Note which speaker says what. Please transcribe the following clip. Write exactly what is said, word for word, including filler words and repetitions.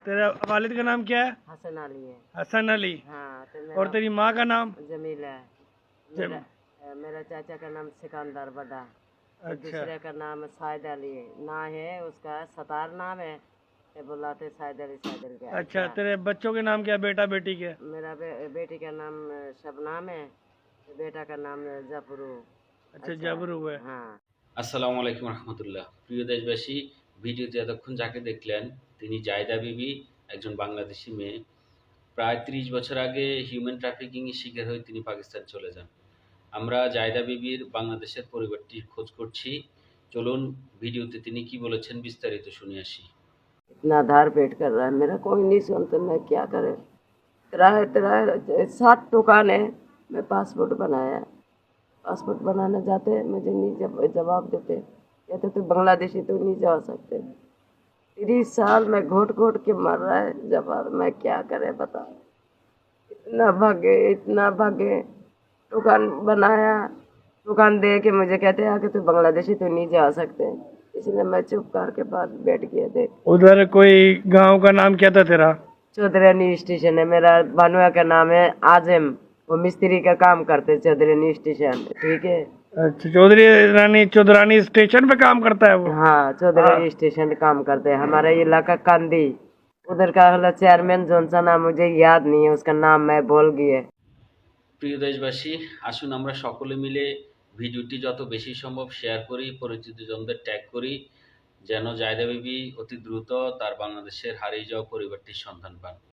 Speaker 1: तेरा वालिद का नाम क्या है?
Speaker 2: हसन अली है।
Speaker 1: हसन अली।
Speaker 2: हाँ तो
Speaker 1: और
Speaker 2: मेरा
Speaker 1: तेरी माँ का नाम?
Speaker 2: जमीला है।
Speaker 1: जम
Speaker 2: मेरा अ, मेरा चाचा का नाम सिकंदर बड़ा, और
Speaker 1: अच्छा
Speaker 2: दूसरे का नाम साइद अली है। ना है उसका सतार नाम है, ये बुलाते साइद अली साइद अली के।
Speaker 1: अच्छा,
Speaker 2: अच्छा,
Speaker 1: तेरे बच्चों के नाम क्या, बेटा बेटी के?
Speaker 2: मेरा बे, बेटी का नाम अ, शबनाम है, बेटा का नाम अ, जफरू।
Speaker 1: अच्छा,
Speaker 2: अच्छा,
Speaker 1: जबरू है।
Speaker 2: हाँ।
Speaker 3: আসসালামু আলাইকুম রহমতুল্লাহ। প্রিয় দেশবাসী, ভিডিওতে এতক্ষণ যাকে দেখলেন তিনি জায়দা বিবি, একজন বাংলাদেশি মেয়ে। প্রায় ত্রিশ বছর আগে হিউম্যান ট্রাফিকিংয়ের শিকার হয়ে তিনি পাকিস্তান চলে যান। আমরা জায়দা বিবির বাংলাদেশের পরিবারটির খোঁজ করছি। চলুন ভিডিওতে তিনি কি বলেছেন বিস্তারিত শুনে আসি।
Speaker 2: इतना आधार पेट कर रहा है, मेरा कोई नहीं सुनता, मैं क्या करे। किराए किराए सात दुकान है, मैं पासपोर्ट बनाया, पासपोर्ट बनाने जाते मुझे नहीं जब जवाब देते, कहते तो बांग्लादेशी तो नहीं जा सकते। तीस साल में घोट घोट के मर रहा है जवाब, मैं क्या करे बता। इतना भागे इतना भागे, दुकान बनाया, दुकान दे के मुझे कहते हैं कि तू बांग्लादेशी तो नहीं जा सकते, इसलिए मैं चुप करके पास बैठ गया। देख,
Speaker 1: उधर कोई गांव का नाम क्या था तेरा?
Speaker 2: चौधरानी स्टेशन है मेरा, भानुआ का नाम है आजम, वो मिस्त्री का काम करते चौधरानी स्टेशन, ठीक है।
Speaker 1: अच्छा, चौधरी रानी चौधरानी स्टेशन पे काम करता है वो?
Speaker 2: हाँ, चौधरानी स्टेशन काम करते हैं। हमारा इलाका कांदी, उधर का वाला चेयरमैन जोन सा नाम मुझे याद नहीं है, उसका नाम मैं भूल गया।
Speaker 3: প্রিয় দেশবাসী, আসুন আমরা সকলে মিলে ভিডিওটি যত বেশি সম্ভব শেয়ার করি, পরিচিতজনদের ট্যাগ করি, যেন জায়দা বিবি অতি দ্রুত তার বাংলাদেশের হারিয়ে যাওয়া পরিবারটির সন্ধান পান।